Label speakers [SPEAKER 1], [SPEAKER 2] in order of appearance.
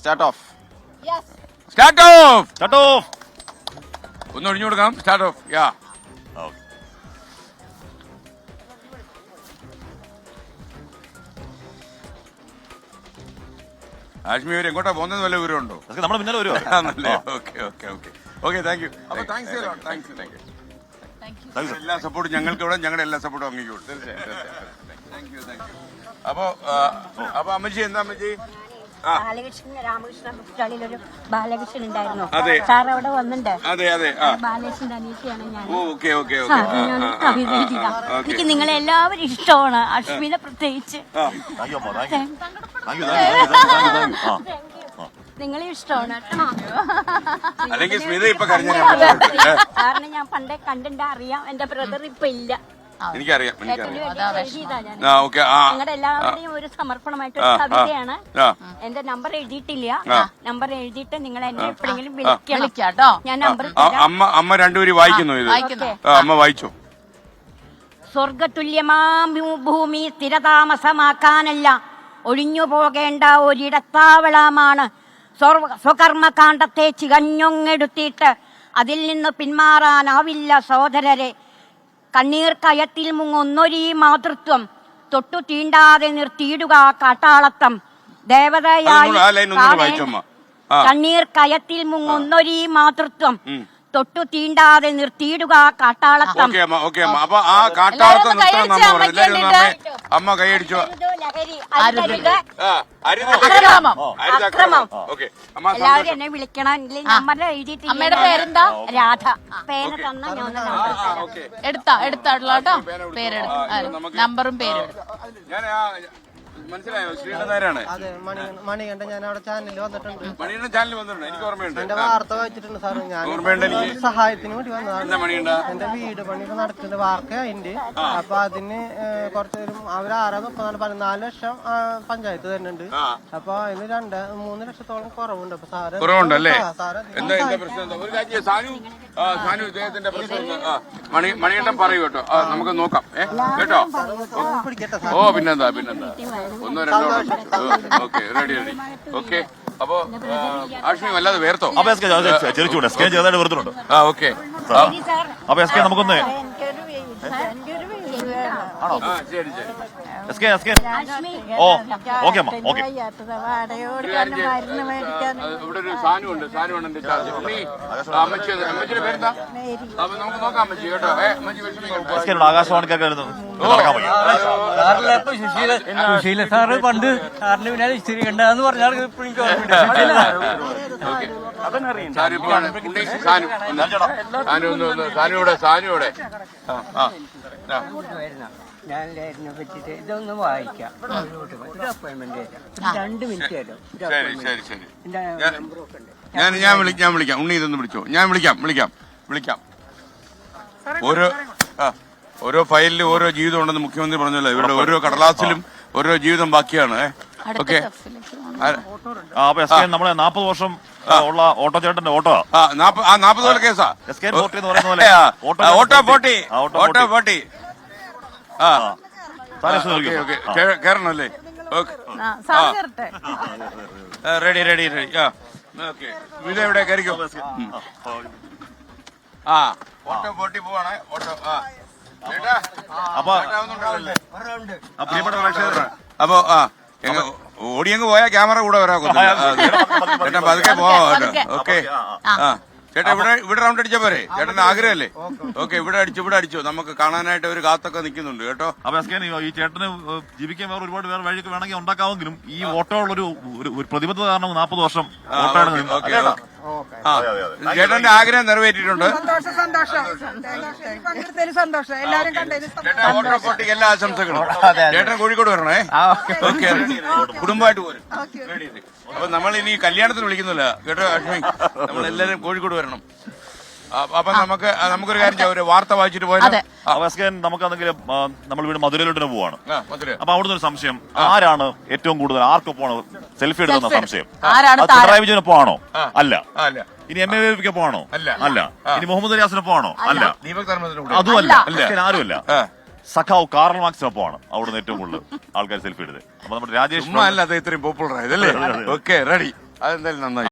[SPEAKER 1] Start off.
[SPEAKER 2] Start off.
[SPEAKER 3] Start off.
[SPEAKER 2] ഒന്ന് ഒഴിഞ്ഞു കൊടുക്കാം. Start of. യാ. ആശ്മി അവർ എങ്ങോട്ടാ പോകുന്നത് വല്ല വിവരമുണ്ടോ?
[SPEAKER 3] നമ്മുടെ പിന്നാലെ വരുമോ?
[SPEAKER 2] Okay thank you. അപ്പൊ താങ്ക്സ് എല്ലാ സപ്പോർട്ടും ഞങ്ങൾക്ക് ഇവിടെ, ഞങ്ങളുടെ എല്ലാ സപ്പോർട്ടും അങ്ങേക്ക് കൊടുക്കും. തീർച്ചയായും. അപ്പൊ അമ്മച്ചി എന്താ അമ്മച്ചി?
[SPEAKER 4] ബാലകൃഷ്ണൻ രാമകൃഷ്ണൻ ബുക്സ്റ്റാളിലൊരു ബാലകൃഷ്ണൻ ഉണ്ടായിരുന്നു.
[SPEAKER 2] അതെ
[SPEAKER 4] സാർ അവിടെ വന്നിട്ടുണ്ട്.
[SPEAKER 2] അതെ
[SPEAKER 4] ബാലകൃഷ്ണന്റെ അനീഷയാണ് ഞാൻ.
[SPEAKER 2] കവിത
[SPEAKER 4] എനിക്ക് നിങ്ങളെ എല്ലാവരും ഇഷ്ടമാണ്, അശ്മിനെ പ്രത്യേകിച്ച്. നിങ്ങളെ ഇഷ്ടമാണ്
[SPEAKER 2] അല്ലെങ്കിൽ സ്മിത ഇപ്പൊ കരഞ്ഞ
[SPEAKER 4] സാറിനെ ഞാൻ പണ്ടേ കണ്ടിട്ട് അറിയാം. എന്റെ ബ്രദർ ഇപ്പൊ ഇല്ല.
[SPEAKER 2] എനിക്കറിയാം.
[SPEAKER 4] നിങ്ങളുടെ എല്ലാവരുടെയും ഒരു സമർപ്പണമായിട്ടൊരു കവിതയാണ്. എന്റെ നമ്പർ എഴുതിയിട്ടില്ല. നമ്പർ എഴുതിയിട്ട് നിങ്ങൾ എന്നെ എപ്പോഴെങ്കിലും വിളിക്കണം. ഞാൻ നമ്പർ
[SPEAKER 2] അമ്മ രണ്ടുപേരും വായിക്കുന്നു ഇത്. അമ്മ വായിച്ചോ.
[SPEAKER 4] സ്വർഗതുല്യമാം ഭൂമി സ്ഥിരതാമസമാക്കാനല്ല, ഒഴിഞ്ഞു പോകേണ്ട ഒരിടത്താവളമാണ്. സ്വകർമ്മകാണ്ഡത്തെ ചികഞ്ഞൊങ്ങെടുത്തിട്ട് അതിൽ നിന്ന് പിന്മാറാനാവില്ല സഹോദരരെ. കണ്ണീർ കയത്തിൽ മുങ്ങൊന്നൊരീ മാതൃത്വം, തൊട്ടു തീണ്ടാതെ നിർത്തിയിടുക കാട്ടാളത്തം. ദേവതയായി കണ്ണീർ കയത്തിൽ മുങ്ങൊന്നൊരീ മാതൃത്വം, തൊട്ടു തീണ്ടാതെ നിർത്തിയിടുക കാട്ടാളത്തം.
[SPEAKER 2] അമ്മ കൈയടിച്ചു.
[SPEAKER 4] എല്ലാവരും എന്നെ വിളിക്കണം. നമ്പർ എഴുതിയിട്ടില്ല.
[SPEAKER 5] അമ്മയുടെ പേരെന്താ?
[SPEAKER 4] രാധ. പേര് തന്ന ഞാൻ
[SPEAKER 5] എടുത്താട്ടോ. പേരെടുത്തു, നമ്പറും പേരും.
[SPEAKER 2] മനസ്സിലായോ? ശ്രീനാരാണ്.
[SPEAKER 6] അതെ, മണികണ്ഠൻ. ഞാൻ അവിടെ ചാനലിൽ വന്നിട്ടുണ്ട്.
[SPEAKER 2] മണികണ്ഠൻ ചാനലിൽ വന്നിട്ടുണ്ട്. എനിക്ക് ഓർമ്മയുണ്ട്.
[SPEAKER 6] എന്റെ വാർത്ത വായിച്ചിട്ടുണ്ട് സാർ. ഞാൻ സഹായത്തിന് വേണ്ടി വന്നതാണ്. എന്റെ വീട് പണി ഇപ്പൊ നടക്കുന്നുണ്ട്. വാർത്ത അതിന്റെ അപ്പൊ അതിന് കുറച്ച് അവർ 14 ലക്ഷം പഞ്ചായത്ത് തരുന്നുണ്ട്. അപ്പൊ അതിന് 3 ലക്ഷത്തോളം കുറവുണ്ട്. അപ്പൊ സാറ്
[SPEAKER 2] കുറവുണ്ടല്ലേ?
[SPEAKER 6] സാറ്
[SPEAKER 2] ഇദ്ദേഹത്തിന്റെ പ്രശ്നം മണികണ്ഠൻ പറയൂ കേട്ടോ. നമുക്ക് നോക്കാം കേട്ടോ. ഓ പിന്നെന്താ ഒന്നോ രണ്ടോ. Okay ready. ഓക്കെ അപ്പൊ ആഷ്മി വല്ലാതെ വേർത്തോ?
[SPEAKER 3] ചെറിച്ചൂടെ സ്കാൻ ചെയ്തായിട്ട് വെറുതെ.
[SPEAKER 2] ഓക്കെ
[SPEAKER 3] അപ്പൊ എസ് കെ നമുക്കൊന്ന് ഓ ഓക്കെ അമ്മ ഓക്കെ.
[SPEAKER 2] ഇവിടെ ഒരു സാനുണ്ട്. സാനുണ്ട് എന്റെ ചാർജ്. അമ്മച്ചിയുടെ പേരെന്താ? അപ്പൊ നമുക്ക് നോക്കാം അമ്മച്ചി കേട്ടോ. അമ്മച്ചി വിഷമിക്കണ്ട.
[SPEAKER 3] ആകാശവാണിക്കൊക്കെ
[SPEAKER 7] സുശീല സാറ് പണ്ട് സാറിന്റെ പിന്നാലെ ഇച്ചിരി കണ്ടെന്ന് പറഞ്ഞാൽ
[SPEAKER 2] സാനുവിടെ
[SPEAKER 7] ഞാനിതിനെ പറ്റിട്ട് ഇതൊന്ന് വായിക്കാം. ഒരു അപ്പോയിന്റ്മെന്റ് 2 മിനിറ്റ് തരും.
[SPEAKER 2] ശരി. ഞാൻ വിളിക്കാം. ഉണ്ണി ഇതൊന്ന് വിളിച്ചോ. ഞാൻ വിളിക്കാം. ഓരോ ഫയലിലും ഓരോ ജീവിതം ഉണ്ടെന്ന് മുഖ്യമന്ത്രി പറഞ്ഞല്ലോ. ഇവിടെ ഓരോ കടലാസിലും ഓരോ ജീവിതം ബാക്കിയാണ്. ഓക്കെ
[SPEAKER 3] നമ്മളെ 40 വർഷം ഉള്ള ഓട്ടോ ചേട്ടന്റെ ഓട്ടോ
[SPEAKER 2] 40 കേസാ. ഓട്ടോ പോട്ടി കേറണല്ലേ? റെഡി. ഓക്കെ ഇതെവിടെ കയറിക്കോ. ഓട്ടോ പോട്ടി പോവാണ്. ഓട്ടോ അപ്പൊ ഓടിയങ്ങ് പോയാ ക്യാമറ കൂടെ വരാ. ചേട്ടാ പതുക്കെ പോവാ. ഓക്കെ ചേട്ടാ ഇവിടെ റൗണ്ട് അടിച്ചാ പോരെ? ചേട്ടന്റെ ആഗ്രഹമല്ലേ? ഓക്കെ ഇവിടെ അടിച്ചു. നമുക്ക് കാണാനായിട്ട് ഒരു കാത്തൊക്കെ നിൽക്കുന്നുണ്ട് കേട്ടോ.
[SPEAKER 3] അപ്പൊ ഈ ചേട്ടന് ജീവിക്കാൻ ഒരുപാട് വേറെ വഴിയൊക്കെ വേണമെങ്കിൽ ഉണ്ടാക്കാമെങ്കിലും ഈ ഓട്ടോയുള്ളൊരു പ്രതിബദ്ധത കാരണം 40 വർഷം ഓട്ടോയാണ്.
[SPEAKER 2] ചേട്ടന്റെ ആഗ്രഹം നിറവേറ്റിയിട്ടുണ്ട്. ചേട്ടാ ഓട്ടോ പോട്ടിക്ക് എല്ലാ ആശംസകളും. ചേട്ടൻ കോഴിക്കോട് വരണേ. ഓക്കെ കുടുംബമായിട്ട് പോരും. അപ്പൊ നമ്മൾ ഇനി കല്യാണത്തിന് വിളിക്കുന്നില്ല കേട്ടോ അശ്മി. നമ്മളെല്ലാരും കോഴിക്കോട് വരണം. അപ്പൊ നമുക്കൊരു കാര്യം ചെയ്യാം. ഒരു വാർത്ത വായിച്ചിട്ട് പോയാൽ
[SPEAKER 3] നമുക്കാണെങ്കിലും നമ്മൾ വീട് മധുരയിലോട്ട് പോവാണ്. അപ്പൊ അവിടുന്ന് ഒരു സംശയം, ആരാണ് ഏറ്റവും കൂടുതൽ ആർക്കൊപ്പമാണ് സെൽഫി എടുക്കുന്ന സംശയം? പിണറായി വിജയനൊപ്പം ആണോ? അല്ല. ഇനി MAVക്കൊപ്പം ആണോ? അല്ല. ഇനി മുഹമ്മദ് റിയാസിനൊപ്പം ആണോ? അല്ല. അതുമല്ല. ആരുമല്ല. സഖാവ് കാർൽ മാർക്സിനൊപ്പമാണ് അവിടുന്ന് ഏറ്റവും കൂടുതൽ ആൾക്കാർ സെൽഫി എടുത്തത്. അപ്പൊ നമ്മുടെ രാജേഷ്
[SPEAKER 2] അല്ല ഇത്രയും പോപ്പുലർ ആയതല്ലേ? Okay ready. അതെന്തായാലും നന്നായി.